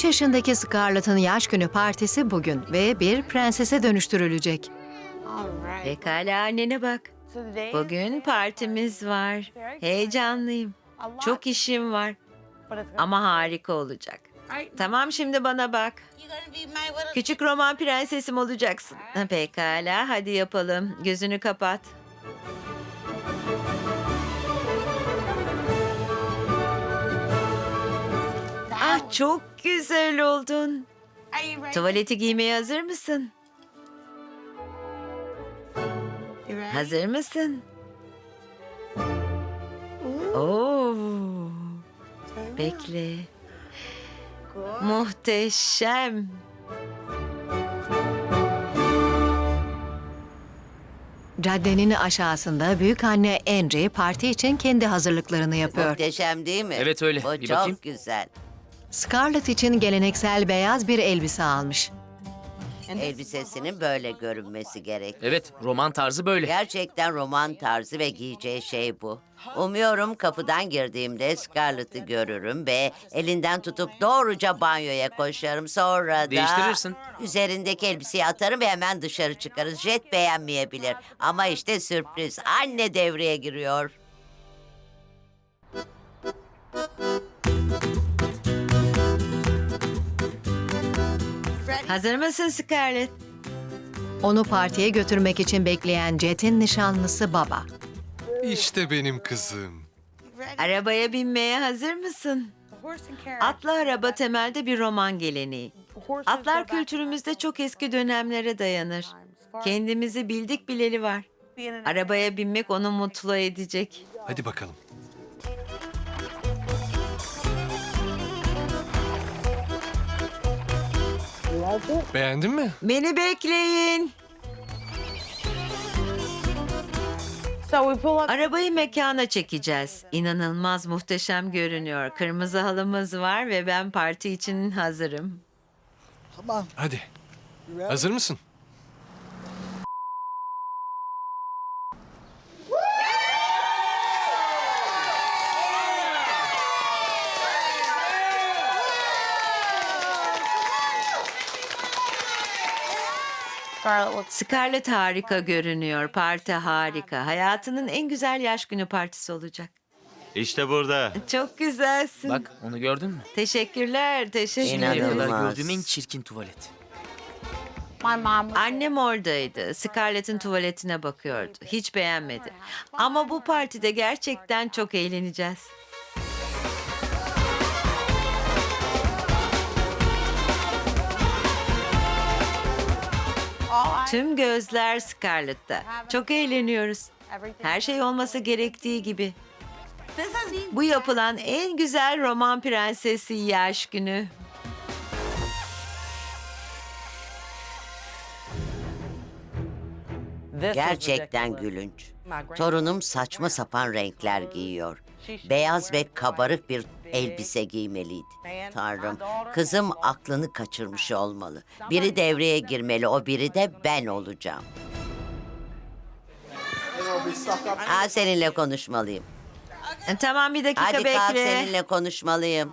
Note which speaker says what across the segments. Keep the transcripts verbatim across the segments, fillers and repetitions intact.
Speaker 1: yaşındaki Scarlett'ın yaş günü partisi bugün ve bir prensese dönüştürülecek.
Speaker 2: Pekala annene bak. Bugün partimiz var. Heyecanlıyım. Çok işim var ama harika olacak. Tamam, şimdi bana bak. Küçük roman prensesim olacaksın. Ha, Pekala, hadi yapalım. Gözünü kapat. Ah, çok güzel oldun. Tuvaleti giymeye hazır mısın? Hazır mısın? Oo. Bekle. Muhteşem.
Speaker 1: Caddenin aşağısında büyükanne Angie parti için kendi hazırlıklarını yapıyor.
Speaker 3: Muhteşem değil mi?
Speaker 4: Evet, öyle.
Speaker 3: Bu
Speaker 4: Bir
Speaker 3: çok
Speaker 4: bakayım.
Speaker 3: güzel.
Speaker 1: Scarlett için geleneksel beyaz bir elbise almış.
Speaker 3: Elbisesinin böyle görünmesi gerek.
Speaker 4: Evet, roman tarzı böyle.
Speaker 3: Gerçekten roman tarzı ve giyeceği şey bu. Umuyorum kapıdan girdiğimde Scarlett'ı görürüm ve elinden tutup doğruca banyoya koşarım. Sonra da...
Speaker 4: Değiştirirsin.
Speaker 3: Üzerindeki elbiseyi atarım ve hemen dışarı çıkarız. Jet beğenmeyebilir. Ama işte sürpriz. Anne devreye giriyor.
Speaker 2: Hazır mısın Scarlett?
Speaker 1: Onu partiye götürmek için bekleyen Jet'in nişanlısı Baba.
Speaker 5: İşte benim kızım.
Speaker 2: Arabaya binmeye hazır mısın? Atlı araba temelde bir roman geleneği. Atlar kültürümüzde çok eski dönemlere dayanır. Kendimizi bildik bileli var. Arabaya binmek onu mutlu edecek.
Speaker 5: Hadi bakalım. Beğendin mi?
Speaker 2: Beni bekleyin. Arabayı mekana çekeceğiz. İnanılmaz muhteşem görünüyor. Kırmızı halımız var ve ben parti için hazırım.
Speaker 5: Hadi. Hazır mısın?
Speaker 2: Scarlett harika görünüyor. Parti harika. Hayatının en güzel yaş günü partisi olacak.
Speaker 6: İşte burada.
Speaker 2: Çok güzelsin.
Speaker 4: Bak, onu gördün mü?
Speaker 2: Teşekkürler, teşekkür
Speaker 4: Şimdiye
Speaker 2: ederim.
Speaker 4: kadar
Speaker 3: İnanılmaz.
Speaker 4: gördüğüm en çirkin tuvalet.
Speaker 2: Annem oradaydı. Scarlett'in tuvaletine bakıyordu. Hiç beğenmedi. Ama bu partide gerçekten çok eğleneceğiz. Tüm gözler Scarlett'ta. Çok eğleniyoruz. Her şey olması gerektiği gibi. Bu yapılan en güzel roman prensesi yaş günü.
Speaker 3: Gerçekten gülünç. Torunum saçma sapan renkler giyiyor. Beyaz ve kabarık bir elbise giymeliydi. Tanrım, kızım aklını kaçırmış olmalı. Biri devreye girmeli, o biri de ben olacağım. Aa, seninle konuşmalıyım.
Speaker 2: E, Tamam, bir dakika
Speaker 3: Hadi kalk,
Speaker 2: bekle.
Speaker 3: seninle konuşmalıyım.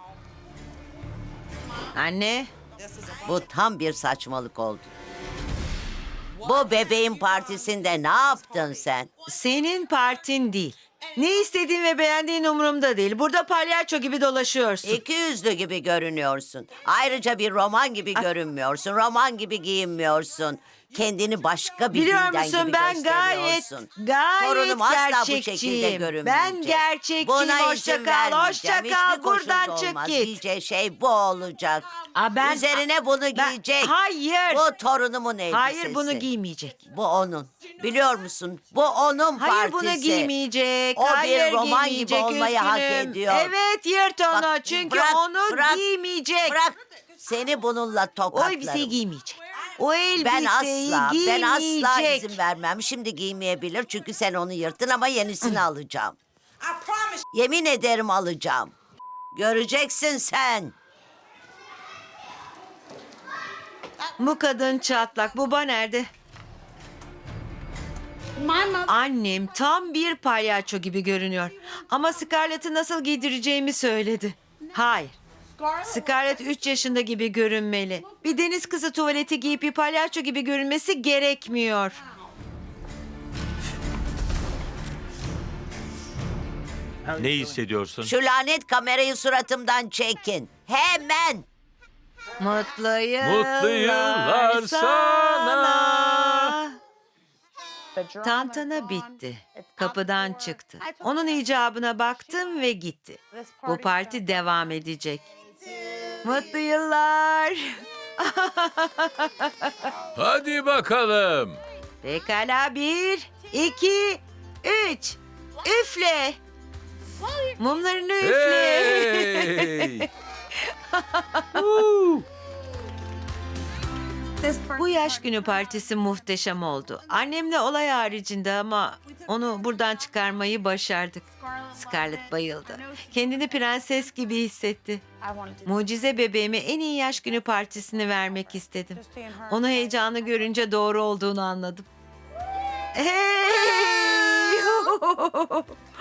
Speaker 2: Anne,
Speaker 3: Bu tam bir saçmalık oldu. Bu bebeğin partisinde ne yaptın sen?
Speaker 2: senin partin değil. Ne istediğin ve beğendiğin umurumda değil. Burada palyaço gibi dolaşıyorsun.
Speaker 3: İki yüzlü gibi görünüyorsun. Ayrıca bir roman gibi görünmüyorsun. Roman gibi giyinmiyorsun. Kendini başka bir
Speaker 2: Biliyor
Speaker 3: dinden
Speaker 2: musun,
Speaker 3: gibi
Speaker 2: ben gayet,
Speaker 3: gösteriyorsun.
Speaker 2: gayet
Speaker 3: Torunum asla bu şekilde
Speaker 2: gerçekçiyim.
Speaker 3: görünmeyecek.
Speaker 2: Ben gerçekçiyim.
Speaker 3: Buna
Speaker 2: Hoşça
Speaker 3: izin
Speaker 2: kal,
Speaker 3: vermeyeceğim.
Speaker 2: hoşça
Speaker 3: Hiçbir
Speaker 2: kal. Buradan
Speaker 3: koşulda
Speaker 2: çık
Speaker 3: olmaz.
Speaker 2: git.
Speaker 3: Giyeceği şey bu olacak.
Speaker 2: Aa, ben-
Speaker 3: Üzerine bunu
Speaker 2: Ben-
Speaker 3: giyecek.
Speaker 2: Hayır.
Speaker 3: Bu torunumun elbisesi.
Speaker 2: Hayır, bunu giymeyecek.
Speaker 3: Bu onun. Biliyor musun? Bu onun
Speaker 2: Hayır,
Speaker 3: partisi.
Speaker 2: bunu giymeyecek.
Speaker 3: O bir
Speaker 2: Hayır,
Speaker 3: roman gibi
Speaker 2: giymeyecek,
Speaker 3: olmayı hak
Speaker 2: üzgünüm.
Speaker 3: ediyor.
Speaker 2: Evet, yırt onu.
Speaker 3: Bak,
Speaker 2: Çünkü
Speaker 3: bırak,
Speaker 2: onu
Speaker 3: bırak,
Speaker 2: giymeyecek.
Speaker 3: Bırak. Seni bununla
Speaker 2: O
Speaker 3: tokatlarım.
Speaker 2: elbiseyi giymeyecek. O elbiseyi
Speaker 3: Ben asla, ben
Speaker 2: giymeyecek.
Speaker 3: asla izin vermem. Şimdi giymeyebilir çünkü sen onu yırttın ama yenisini alacağım. Yemin ederim alacağım. Göreceksin sen.
Speaker 2: Bu kadın çatlak. Baba nerede? Annem tam bir palyaço gibi görünüyor. Ama Scarlett'ı nasıl giydireceğimi söyledi. Hayır. Scarlett üç yaşında gibi görünmeli. Bir deniz kızı tuvaleti giyip bir palyaço gibi görünmesi gerekmiyor.
Speaker 6: Ne hissediyorsun?
Speaker 3: Şu lanet kamerayı suratımdan çekin. Hemen.
Speaker 2: Mutlu yıllar,
Speaker 6: Mutlu yıllar sana.
Speaker 2: Tantana bitti. Kapıdan çıktı. Onun icabına baktım ve gitti. Bu parti devam edecek. Mutlu yıllar.
Speaker 6: Hadi bakalım.
Speaker 2: Pekala bir, iki, üç. Üfle. Mumlarını üfle.
Speaker 6: Hey!
Speaker 2: Bu yaş günü partisi muhteşem oldu. Annemle olay haricinde ama onu buradan çıkarmayı başardık. Scarlett bayıldı. Kendini prenses gibi hissetti. Mucize bebeğime en iyi yaş günü partisini vermek istedim. Onu heyecanlı görünce doğru olduğunu anladım. Hey!